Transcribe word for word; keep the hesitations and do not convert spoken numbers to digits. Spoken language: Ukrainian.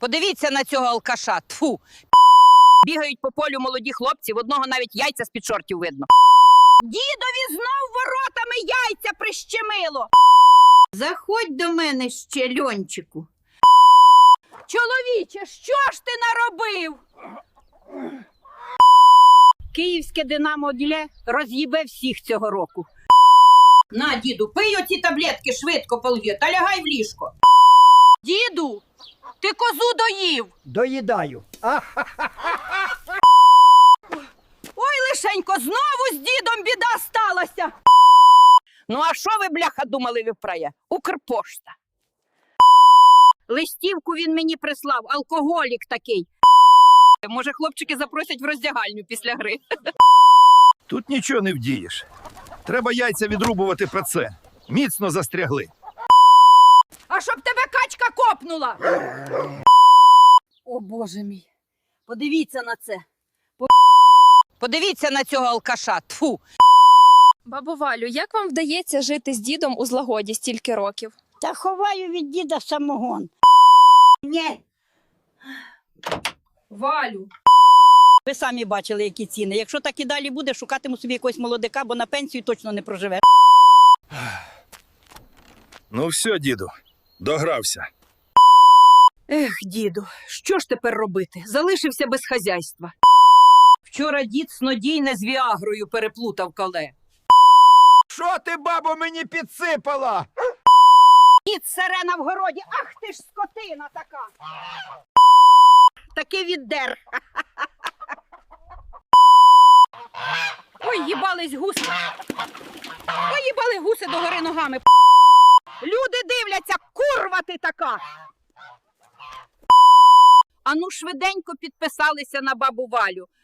Подивіться на цього алкаша. Тфу. Бігають по полю молоді хлопці, в одного навіть яйця з-під шортів видно. Дідові знов воротами яйця прищемило. Заходь до мене ще, Льончику. Чоловіче, що ж ти наробив? Київське Динамо Діле роз'їбе всіх цього року. На, діду, пий оці таблетки швидко полью та лягай в ліжко. Діду, ти козу доїв. Доїдаю. Ой, лишенько, знову з дідом біда сталася. Ну а що ви, бляха, думали, виправє? Укрпошта. Листівку він мені прислав, алкоголік такий. Може, хлопчики запросять в роздягальню після гри. Тут нічого не вдієш. Треба яйця відрубувати про це. Міцно застрягли. А щоб тебе качка копнула. О, Боже мій. Подивіться на це. Подивіться на цього алкаша. Тфу. Бабо Валю, як вам вдається жити з дідом у злагоді стільки років? Та ховаю від діда самогон. Ні. Валю. Ви самі бачили, які ціни. Якщо так і далі буде, шукатиму собі якогось молодика, бо на пенсію точно не проживе. Ну все, діду, догрався. Ех, діду, що ж тепер робити? Залишився без хазяйства. Вчора дід снодійне з віагрою переплутав коле. Що ти, бабо, мені підсипала? Дід сирена в городі, ах ти ж скотина така. Таки віддер. Ой, їбались гуси. Ой, їбали гуси догори ногами. Люди дивляться, курва ти така. Ану швиденько підписалися на бабу Валю.